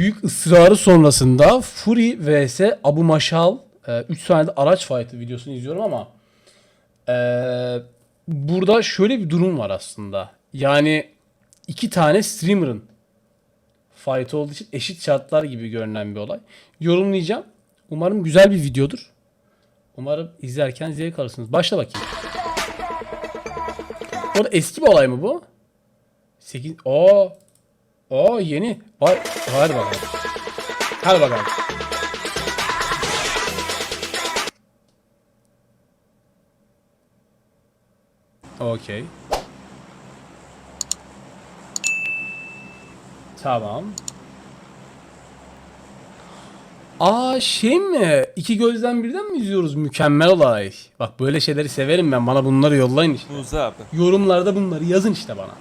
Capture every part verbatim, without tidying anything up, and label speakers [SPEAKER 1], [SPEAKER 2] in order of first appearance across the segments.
[SPEAKER 1] büyük ısrarı sonrasında Fury vs Abu Maşal üç tane de araç fight'ı videosunu izliyorum ama e, burada şöyle bir durum var aslında. Yani iki tane streamer'ın fight olduğu için eşit şartlar gibi görünen bir olay. Yorumlayacağım. Umarım güzel bir videodur. Umarım izlerken zevk alırsınız. Başla bakayım. Bu arada eski bir olay mı bu? sekiz... Oo. Oo yeni. Var. Hadi bakalım. Hadi bakalım. Okey. Tamam. Aa şey mi? İki gözden birden mi izliyoruz? Mükemmel olay. Bak böyle şeyleri severim ben. Bana bunları yollayın işte.
[SPEAKER 2] Muza abi.
[SPEAKER 1] Yorumlarda bunları yazın işte bana.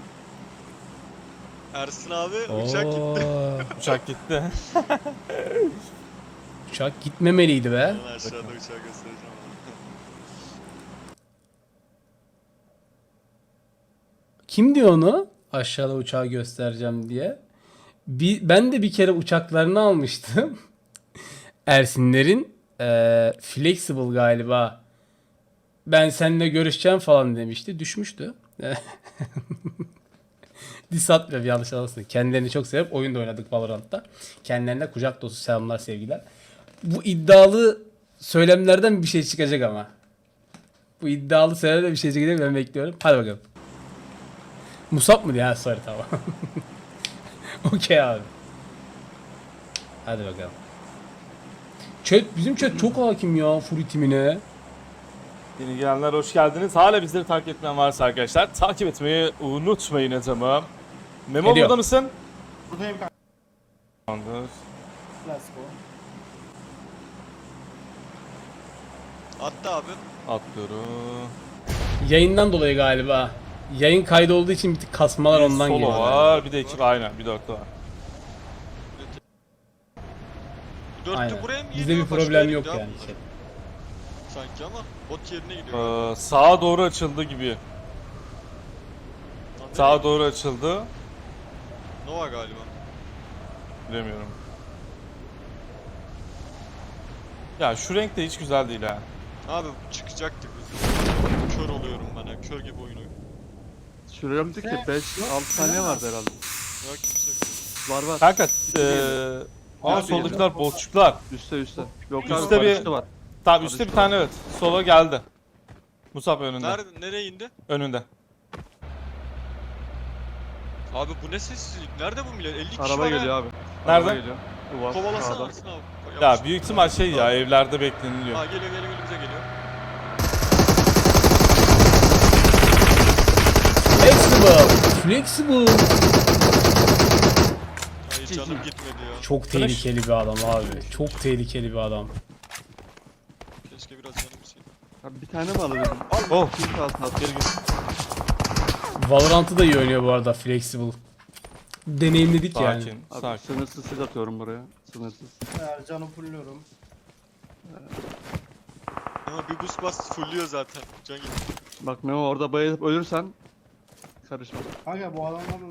[SPEAKER 3] Ersin abi uçak gitti.
[SPEAKER 2] Uçak gitti.
[SPEAKER 1] Uçak gitmemeliydi be.
[SPEAKER 3] Ben aşağıda uçağı göstereceğim.
[SPEAKER 1] Kim diyor onu? Aşağıda uçağı göstereceğim diye. Bir, ben de bir kere uçaklarını almıştım. Ersinlerin e, Flexible galiba. Ben seninle görüşeceğim falan demişti. Düşmüştü. Diss atmıyorum, yanlış anlasın. Kendilerini çok sevip oyun da oynadık Valorant'ta. Kendilerine kucak dolusu selamlar, sevgiler. Bu iddialı söylemlerden bir şey çıkacak ama. Bu iddialı söylemlerden bir şey çıkacak, ben bekliyorum. Hadi bakalım. Musab mı diye? Ha sorry, tamam. Okey abi. Hadi bakalım. Chat, bizim chat çok hakim ya Fury timine.
[SPEAKER 2] Yeni gelenler hoş geldiniz. Hala bizleri takip etmeyen varsa arkadaşlar takip etmeyi unutmayın adamım. Memo
[SPEAKER 1] Geliyor.
[SPEAKER 2] burada mısın?
[SPEAKER 4] Buradayım kanka.
[SPEAKER 2] Tamamdır.
[SPEAKER 4] Let's go.
[SPEAKER 3] Attı abi.
[SPEAKER 2] Atlıyorum.
[SPEAKER 1] Yayından dolayı galiba. Yayın kaydı olduğu için bir tık kasmalar
[SPEAKER 2] Bir
[SPEAKER 1] ondan
[SPEAKER 2] solo
[SPEAKER 1] geliyor.
[SPEAKER 2] var, bir de iki aynen, bir dörtlü var.
[SPEAKER 3] Dörtlü
[SPEAKER 1] Aynen.
[SPEAKER 3] buraya mı
[SPEAKER 1] Bizde bir
[SPEAKER 3] geliyor?
[SPEAKER 1] problem
[SPEAKER 3] Başka
[SPEAKER 1] yok
[SPEAKER 3] yere
[SPEAKER 1] yani.
[SPEAKER 3] gidiyor sanki ama bot yerine gidiyor.
[SPEAKER 2] Ee, sağa doğru açıldı gibi.
[SPEAKER 3] Lan
[SPEAKER 2] Sağa
[SPEAKER 3] nereye
[SPEAKER 2] doğru açıldı.
[SPEAKER 3] gidiyor? Nova galiba.
[SPEAKER 2] Bilemiyorum. Ya şu renk de hiç güzel değil ha.
[SPEAKER 3] Abi çıkacaktık biz. Kör oluyorum ben ya. Kör gibi oyun oyun.
[SPEAKER 5] Sürüyorum ki beş altı saniye vardı herhalde.
[SPEAKER 3] Yok kimse yok.
[SPEAKER 5] Var var.
[SPEAKER 2] Kanka eee... Aa
[SPEAKER 5] Nerede
[SPEAKER 2] soldakiler botçuklar.
[SPEAKER 5] Üste üste. Yok
[SPEAKER 2] Üste
[SPEAKER 5] abi
[SPEAKER 2] bir-
[SPEAKER 5] üstte var.
[SPEAKER 2] Tamam üstte bir tane evet. Sola geldi. Musab önünde.
[SPEAKER 3] Nerede? Nereye indi?
[SPEAKER 2] Önünde.
[SPEAKER 3] Abi bu ne sessizlik? Nerede bu millet? elli kişi
[SPEAKER 5] Araba
[SPEAKER 3] var
[SPEAKER 5] geliyor
[SPEAKER 3] ha.
[SPEAKER 5] abi.
[SPEAKER 2] Nerede?
[SPEAKER 5] Araba geliyor. Duvar.
[SPEAKER 3] Kovalasana
[SPEAKER 5] sağda.
[SPEAKER 3] Ersin abi.
[SPEAKER 2] Ya
[SPEAKER 3] Yavaş.
[SPEAKER 2] büyük ihtimal şey ya evlerde bekleniliyor.
[SPEAKER 3] Ha geliyor geliyor geliyor bize geliyor.
[SPEAKER 1] Flexible. Flexible.
[SPEAKER 3] Hayır canım gitmedi ya.
[SPEAKER 1] Çok tehlikeli bir adam abi. Çok tehlikeli bir adam.
[SPEAKER 3] Keşke biraz canım gitseydi.
[SPEAKER 5] Abi bir tane mi alabilirim?
[SPEAKER 2] Oh.
[SPEAKER 5] Kim kalsın at geri git.
[SPEAKER 1] Valorant'ı da iyi oynuyor bu arada Flexible. Deneyimledik yani.
[SPEAKER 2] Sakin,
[SPEAKER 5] Abi
[SPEAKER 2] sakin.
[SPEAKER 5] sınırsız siz atıyorum buraya. Sınırsız.
[SPEAKER 4] Ya canım fulluyorum.
[SPEAKER 3] Ama bir boost bas fulluyor zaten. Can gitti.
[SPEAKER 5] Bak Memo orada bayılıp ölürsen karışma.
[SPEAKER 4] Kanka bu adamlar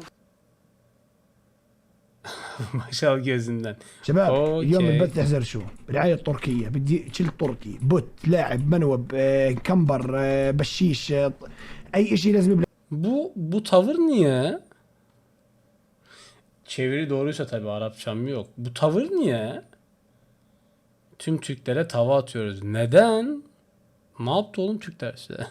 [SPEAKER 1] Maşal gözünden.
[SPEAKER 6] شباب
[SPEAKER 1] أوكي.
[SPEAKER 6] اليوم البث تحذر شو برعاية تركية بدي شيل تركي بوت لاعب منوب آه، كمبر آه، بشيش آه، اي اشي لازم يبلع
[SPEAKER 1] Bu bu tavır niye? Çeviri doğruysa tabii, Arapçam yok. Bu tavır niye? Tüm Türklere tava atıyoruz. Neden? Ne yaptı oğlum Türkler size?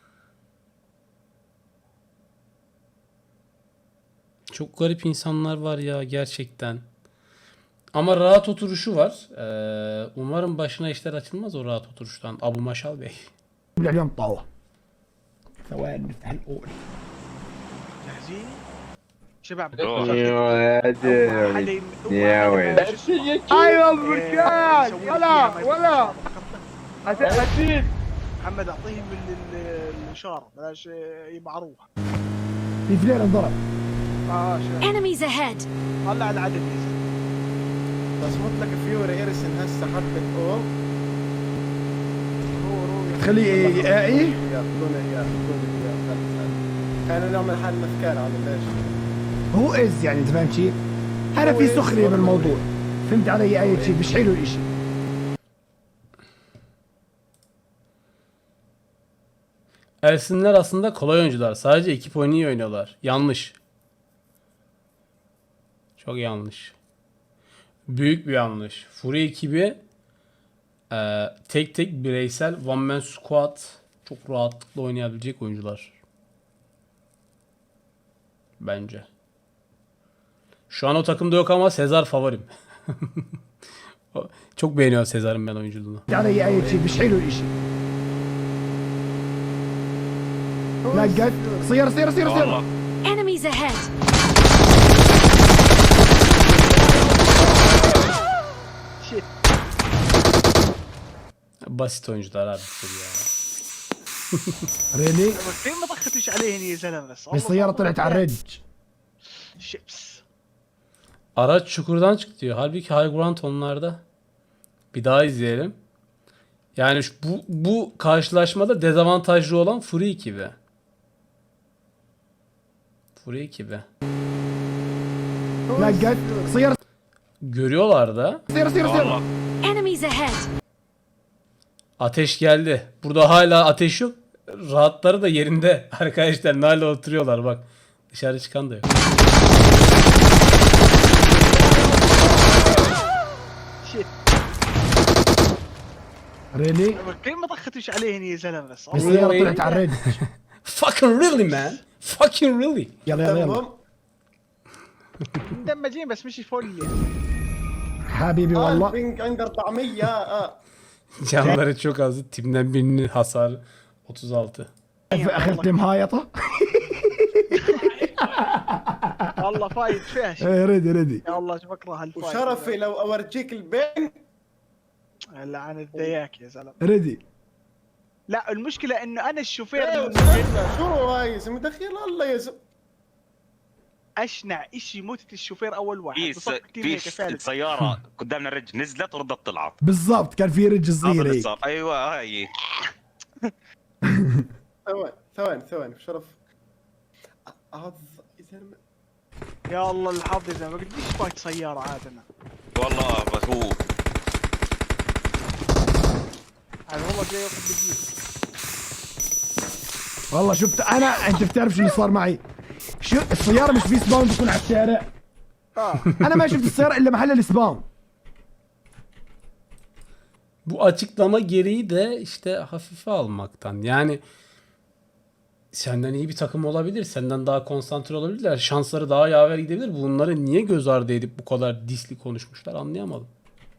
[SPEAKER 1] Çok garip insanlar var ya gerçekten. Ama rahat oturuşu var. Ee, umarım başına işler açılmaz o rahat oturuştan. Abu Maşal Bey.
[SPEAKER 6] اليوم طاوة ثواني نفتح الاول
[SPEAKER 4] جاهزين؟ شباب
[SPEAKER 7] ايوه يا ديري يا ويلي
[SPEAKER 4] ايوه البركان ولا ولا اسيد محمد اعطيهم ال- ال- الاشاره بلاش يبعروها
[SPEAKER 6] في فلين انضرب
[SPEAKER 4] اه شباب
[SPEAKER 8] Enemies ahead!
[SPEAKER 4] طلع العدد يزيد بصمت لك فيوري ارسن هسه حبه اوه
[SPEAKER 6] تخليه ايه
[SPEAKER 4] ياخذون اياه ياخذون اياه خلص كان اليوم الحال مفكار هذا ليش؟
[SPEAKER 6] هو از يعني انت فاهم شيء هذا في سخرية بالموضوع فهمت علي اي شيء مش حلو الاشي.
[SPEAKER 1] Ersinler aslında kolay oyuncular. Sadece ekip oyunu iyi oynuyorlar. Yanlış. Çok yanlış. Büyük bir yanlış. Fury ekibi e, tek tek bireysel one man squad çok rahatlıkla oynayabilecek oyuncular. Bence. Şu an o takımda yok ama Sezar favorim. O- Çok beğeniyorum Sezar'ın ben oyunculuğunu.
[SPEAKER 6] فهمت علي اي شيء مش حلو الاشي. نقت سيارة سيارة سيارة سيارة.
[SPEAKER 8] Enemies ahead!
[SPEAKER 1] Basit oyuncular abi ya.
[SPEAKER 6] ريلي
[SPEAKER 9] ليه ما ضختش عليهن يا زلمه بس
[SPEAKER 6] السيارة طلعت على الرج.
[SPEAKER 9] شيبس.
[SPEAKER 1] Araç çukurdan çıktı diyor. Halbuki high ground onlarda. Bir daha izleyelim. Yani şu- bu, bu karşılaşmada dezavantajlı olan Fury ekibi. Fury ekibi.
[SPEAKER 6] نقت سيارة
[SPEAKER 1] Görüyorlar da.
[SPEAKER 6] سيارة سيارة سيارة.
[SPEAKER 8] Enemies ahead!
[SPEAKER 1] Ateş geldi. Burada hala ateş yok. Rahatları da yerinde. Arkadaşlar hala oturuyorlar bak. Dışarı çıkan da yok.
[SPEAKER 6] ريلي
[SPEAKER 9] ليه ما ضختش عليهن يا زلمه بس
[SPEAKER 6] السيارة طلعت على الرج.
[SPEAKER 1] Fucking really man. Fucking really.
[SPEAKER 6] يلا يلا يلا
[SPEAKER 4] تمام.
[SPEAKER 9] مدمجين بس مش فل يعني.
[SPEAKER 6] حبيبي
[SPEAKER 4] آه
[SPEAKER 6] والله.
[SPEAKER 4] البنج عنده طعميه اه
[SPEAKER 1] Canları çok azdı. Timden birinin hasarı otuz altı.
[SPEAKER 6] اخذت مهايطة.
[SPEAKER 9] والله فايت فيها شيء.
[SPEAKER 6] ايه ريدي ريدي.
[SPEAKER 9] يا الله شو بكره هالفايت.
[SPEAKER 4] وشرفي لو اورجيك البنج.
[SPEAKER 9] لعن الدياك يا زلمه.
[SPEAKER 6] ريدي.
[SPEAKER 9] لا المشكله انه انا الشوفير
[SPEAKER 4] إيه
[SPEAKER 9] المسجل
[SPEAKER 4] شو هاي اسم دخيل الله يا زلمه.
[SPEAKER 9] اشنع اشي موتة الشوفير اول واحد.
[SPEAKER 10] في
[SPEAKER 9] بصف
[SPEAKER 10] س-
[SPEAKER 9] كتير
[SPEAKER 10] في
[SPEAKER 9] هيك
[SPEAKER 10] س-
[SPEAKER 9] ثالث.
[SPEAKER 10] سيارة قدامنا رج نزلت وردت طلعت.
[SPEAKER 6] بالضبط كان في رج
[SPEAKER 10] هذا
[SPEAKER 6] صغير
[SPEAKER 10] اللي
[SPEAKER 6] هيك.
[SPEAKER 10] صار. ايوه هاي.
[SPEAKER 4] ثواني ثواني ثواني شرف. هذا يا زلمه.
[SPEAKER 9] يا الله الحظ يا زلمه قديش فايت سياره عاد انا.
[SPEAKER 10] والله بس هو
[SPEAKER 9] هذا والله جاي ياخذ بديل.
[SPEAKER 6] والله شفت انا انت بتعرف شو اللي صار معي. شو السيارة مش في سباون بتكون على الشارع.
[SPEAKER 9] اه
[SPEAKER 6] انا ما شفت السيارة الا محل السباون.
[SPEAKER 1] Bu açıklama gereği de işte hafife almaktan. Yani senden iyi bir takım olabilir. Senden daha konsantre olabilirler. Şansları daha yaver gidebilir. Bunları niye göz ardı edip bu kadar disli konuşmuşlar anlayamadım.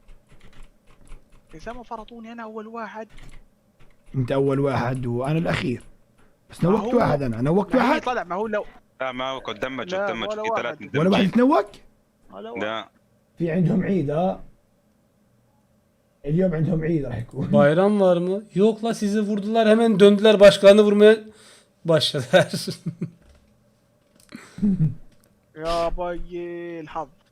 [SPEAKER 9] يا زلمه فرطوني انا اول واحد.
[SPEAKER 6] انت اول واحد وانا الاخير. بس
[SPEAKER 9] ما
[SPEAKER 6] نوقت
[SPEAKER 9] هو-
[SPEAKER 6] واحد انا نوقت
[SPEAKER 9] ما هي
[SPEAKER 6] واحد.
[SPEAKER 9] طلع ما هو لو
[SPEAKER 10] لا ما هو قد دمج
[SPEAKER 9] لا،
[SPEAKER 10] دمج
[SPEAKER 9] ولا
[SPEAKER 10] في
[SPEAKER 9] واحد.
[SPEAKER 10] ثلاث
[SPEAKER 6] ولا واحد
[SPEAKER 10] مدمجين.
[SPEAKER 6] يتنوق.
[SPEAKER 9] ولا واحد.
[SPEAKER 10] لا
[SPEAKER 6] في عندهم عيد ها. اليوم عندهم عيد راح يكون.
[SPEAKER 1] Bayram var mı? Yok la sizi vurdular hemen döndüler başkanı vurmaya başladılar.
[SPEAKER 9] يا بي الحظ.